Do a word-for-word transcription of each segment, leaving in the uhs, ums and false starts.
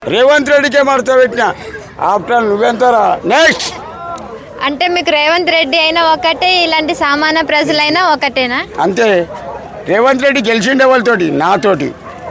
రేవంత్ రెడ్డికే మడత పెట్టిన after నువ్వెంతరా next అంటే మీకు రేవంత్ రెడ్డి అయినా ఒకటే, ఇలాంటి సామాన్య ప్రజలైనా ఒకటేనా? అంతే. రేవంత్ రెడ్డి గెలిచిండే వాళ్ళతోటి నాతోటి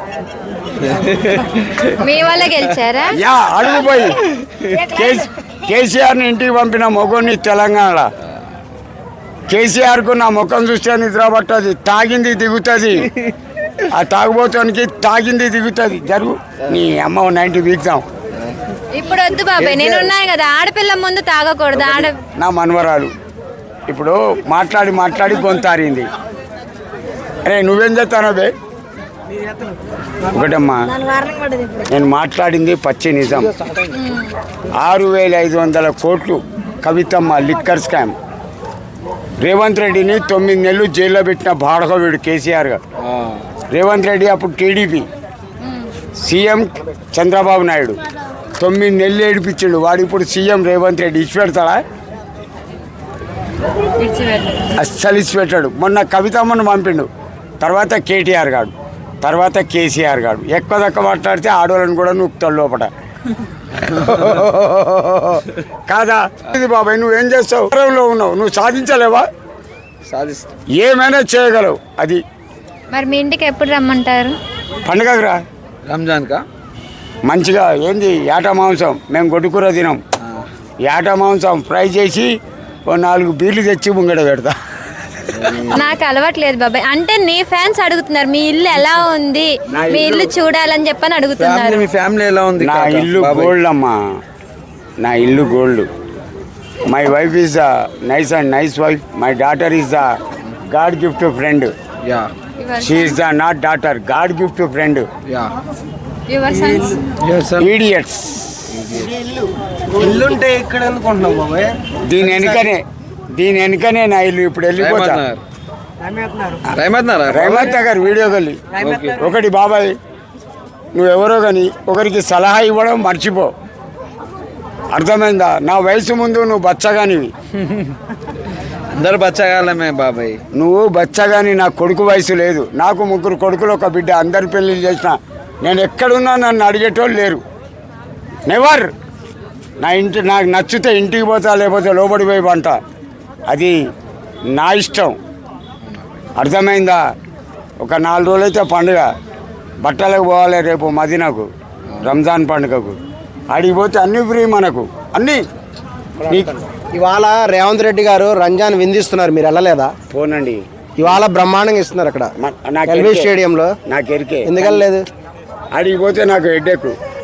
మీ వల్ల గెలిచారా? యా అడుగుపోయి కేసీఆర్ని ఇంటికి పంపిన మొగోని తెలంగాణ. కేసీఆర్కు నా ముఖం చూస్తే నిద్ర పట్టది, తాగింది దిగుతుంది. ఆ తాగుబోతానికి తాగింది దిగుతుంది. జరుగు నీ అమ్మ నైన్టీ వీక్దాం. ఇప్పుడు వద్దు బాబాయ్, నేను ఉన్నాను కదా. ఆడపిల్ల ముందు తాగకూడదు. ఆడ నా మనవరాలు ఇప్పుడు మాట్లాడి మాట్లాడి గొంతారింది. అరే నువ్వేం చేస్తానో బే ఒకటమ్మా, నేను మాట్లాడింది పచ్చి నిజం. ఆరు వేల ఐదు వందల కోట్లు కవితమ్మ లిక్కర్ స్కామ్. రేవంత్ రెడ్డిని తొమ్మిది నెలలు జైల్లో పెట్టిన బాడకవీడు కేసీఆర్ గారు. రేవంత్ రెడ్డి అప్పుడు టీడీపీ సీఎం చంద్రబాబు నాయుడు తొమ్మిది నెలలు ఏడిపించిండు. వాడు ఇప్పుడు సీఎం రేవంత్ రెడ్డి ఇచ్చి పెడతాడా? అస్సలు ఇచ్చి పెట్టాడు. మొన్న కవితమ్మను పంపిండు, తర్వాత కేటీఆర్ గారు, తర్వాత కేసీఆర్ గారు. ఎక్కువ తక్కువ మాట్లాడితే ఆడవాళ్ళని కూడా నూపుతాడు లోపల. కాదా ఇది బాబాయ్? నువ్వేం చేస్తావు? లో ఉన్నావు, నువ్వు సాధించలేవా? సాధిస్తా, ఏమైనా చేయగలవు. అది మరి మీ ఇంటికి ఎప్పుడు రమ్మంటారు? పండుగకు రా. రంజాన్కా మంచిగా ఏంది ఏట మాంసం మేము గొడ్డుకూర తినాం. ఏట మాంసం ఫ్రై చేసి ఓ నాలుగు బీర్లు తెచ్చి ముంగడ పెడతా. నాకు అలవాట్లేదు బాబాయ్. అంటే నీ ఫ్యాన్స్ అడుగుతున్నారు మీ ఇల్లు ఎలా ఉంది, మీ ఇల్లు చూడాలని చెప్పని అడుగుతున్నారు. మీ ఫ్యామిలీ ఎలా ఉంది? నా ఇల్లు గోల్డ్ అమ్మా, నా ఇల్లు gold. My wife is the nice and nice wife. My daughter is the god gift friend. Ya she is the not daughter, god gift friend. Ya your sons idiots. ఇల్లుంటే ఇక్కడ అనుకుంటున్నావు బాబాయ్? దీని వెనుకనే దీని వెనుకనే నా ఇల్లు. ఇప్పుడు వెళ్ళిపోతా రైమత్ నగర్ వీడియో గల్లి. ఒకటి బాబాయ్, నువ్వెవరో కానీ ఒకరికి సలహా ఇవ్వడం మర్చిపో, అర్థమైందా? నా వయసు ముందు నువ్వు బచ్చగానివి. అందరు బచ్చగాలమే బాబాయ్. నువ్వు బచ్చగాని. నా కొడుకు వయసు లేదు. నాకు ముగ్గురు కొడుకులు ఒక బిడ్డ. అందరి పెళ్ళిళ్ళు చేసిన. నేను ఎక్కడున్నా నన్ను అడిగేటోళ్ళు లేరు. నెవర్. నా ఇంటి నాకు నచ్చితే ఇంటికి పోతా, లేకపోతే లోబడి పోయి పంట. అది నా ఇష్టం, అర్థమైందా? ఒక నాలుగు రోజులైతే పండుగ, బట్టలకు పోవాలి. రేపు మదీనాకు రంజాన్ పండుగకు అడిగిపోతే అన్నీ ఫ్రీ మనకు, అన్నీ. ఇవాళ రేవంత్ రెడ్డి గారు రంజాన్ విందిస్తున్నారు, మీరు వెళ్ళలేదా? పోనండి. ఇవాళ బ్రహ్మాండంగా ఇస్తున్నారు అక్కడ నాకు ఎల్బీ స్టేడియంలో. నాకు ఎరికే. ఎందుకు వెళ్ళలేదు? అడిగిపోతే నాకు హెడ్ఏక్.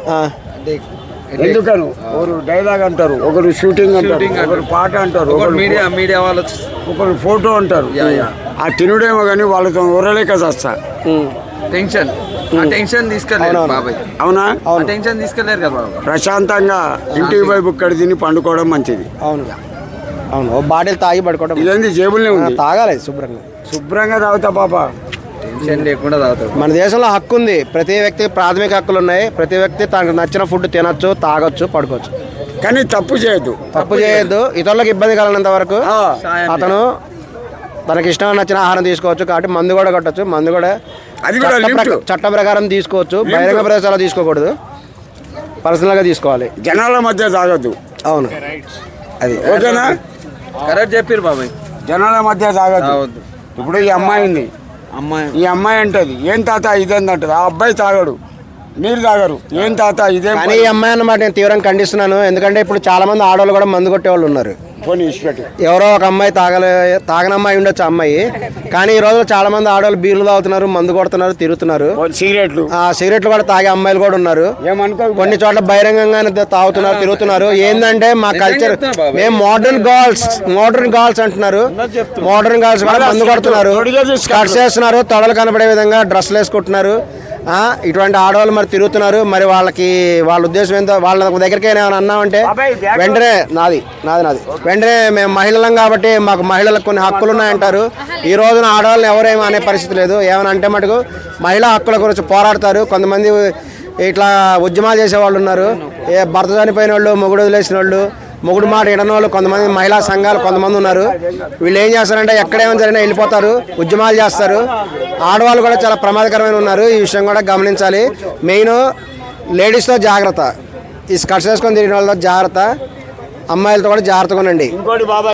ఎందుకను ఒకరు డైలాగ్ అంటారు, ఒకరు షూటింగ్ అంటారు, ఒకరు పాట అంటారు, ఒకరు మీడియా మీడియా వాళ్ళు, ఒకరు ఫోటో అంటారు. ఆ తినుడేమో కానీ వాళ్ళతో ఊరలేక వస్తా. టెన్షన్ టెన్షన్ తీసుకెళ్ళారు బాబాయ్. అవునా? టెన్షన్ తీసుకెళ్ళారు కదా బాబాయ్. ప్రశాంతంగా ఇంటికి పోయి బుక్కడ తిని పండుకోవడం మంచిది. అవును అవును. ఓ బాటిల్ తాగి పడుకోవడం. ఇదేంది జేబుల్నే ఉంది, తాగాలి శుభ్రంగా. శుభ్రంగా తాగుతా పాప. టెన్షన్ లేకుండా తాగుతారు. మన దేశంలో హక్కు ఉంది, ప్రతి వ్యక్తికి ప్రాథమిక హక్కులు ఉన్నాయి. ప్రతి వ్యక్తి తనకు నచ్చిన ఫుడ్ తినొచ్చు, తాగొచ్చు, పడుకోవచ్చు. కానీ తప్పు చేయొద్దు. తప్పు చేయొద్దు. ఇతరులకు ఇబ్బంది కలగనంత వరకు అతను తనకి ఇష్టం నచ్చిన ఆహారం తీసుకోవచ్చు. కాబట్టి మందు కూడా కొట్టచ్చు. మందు కూడా అది కూడా చట్ట ప్రకారం తీసుకోవచ్చు. బహిరంగ ప్రదేశాల్లో తీసుకోకూడదు, పర్సనల్గా తీసుకోవాలి. జనాల మధ్య తాగొద్దు. అవును, అది ఓకేనా? కరెక్ట్ చెప్పారు బాబాయ్. జనాల మధ్య తాగొద్దు. ఇప్పుడు ఈ అమ్మాయి ఉంది, అమ్మాయి ఈ అమ్మాయి అంటది ఏం తాత ఇదేంది అంటది. ఆ అబ్బాయి తాగడు, మీరు తాగరు. ఏం తాత ఇదే. కానీ ఈ అమ్మాయి అన్నమాట నేను తీవ్రంగా ఖండిస్తున్నాను. ఎందుకంటే ఇప్పుడు చాలా మంది ఆడవాళ్ళు కూడా మందు కొట్టే వాళ్ళు ఉన్నారు. పోనీ ఇష్టపెట్టు. ఎవరో ఒక అమ్మాయి తాగలే తాగనమ్మాయి ఉండొచ్చు అమ్మాయి. కానీ ఈ రోజు చాలా మంది ఆడవాళ్ళు బీర్లు తాగుతున్నారు, మందు కొడుతున్నారు, తిరుగుతున్నారు. సిగరెట్లు ఆ సిగరెట్లు కూడా తాగే అమ్మాయిలు కూడా ఉన్నారు. ఏమనుకో, కొన్ని చోట్ల బహిరంగంగానే తాగుతున్నారు, తిరుగుతున్నారు. ఏంటంటే మా కల్చర్, మేము మోడర్న్ గర్ల్స్ మోడర్న్ గర్ల్స్ అంటున్నారు. మోడర్న్ గర్ల్స్ కూడా మందు కొడుతున్నారు, కట్స్ వేస్తున్నారు, తొడలు కనబడే విధంగా డ్రెస్సులు వేసుకుంటున్నారు. ఇటువంటి ఆడవాళ్ళు మరి తిరుగుతున్నారు. మరి వాళ్ళకి వాళ్ళ ఉద్దేశం ఏంటో వాళ్ళ దగ్గరికి ఏమైనా అన్నామంటే వెంటనే నాది నాది నాది వెంటనే మేము మహిళలం కాబట్టి మాకు మహిళలకు కొన్ని హక్కులు ఉన్నాయంటారు. ఈ రోజున ఆడవాళ్ళని ఎవరేమో అనే పరిస్థితి లేదు. ఏమైనా అంటే మటుకు మహిళా హక్కుల గురించి పోరాడతారు. కొంతమంది ఇట్లా ఉద్యమాలు చేసేవాళ్ళు ఉన్నారు. ఏ భర్త చనిపోయిన వాళ్ళు, మొగుడు వదిలేసిన వాళ్ళు, మొగుడు మాట వినని వాళ్ళు కొంతమంది మహిళా సంఘాలు కొంతమంది ఉన్నారు. వీళ్ళు ఏం చేస్తారంటే ఎక్కడేమైనా జరిగినా వెళ్ళిపోతారు, ఉద్యమాలు చేస్తారు. ఆడవాళ్ళు కూడా చాలా ప్రమాదకరమైన ఉన్నారు. ఈ విషయం కూడా గమనించాలి. మెయిన్ లేడీస్తో జాగ్రత్త, ఈ స్కర్ట్స్ వేసుకొని తిరిగిన వాళ్ళతో జాగ్రత్త, అమ్మాయిలతో కూడా జాగ్రత్తగా ఉండండి. ఇంకోటి బాబా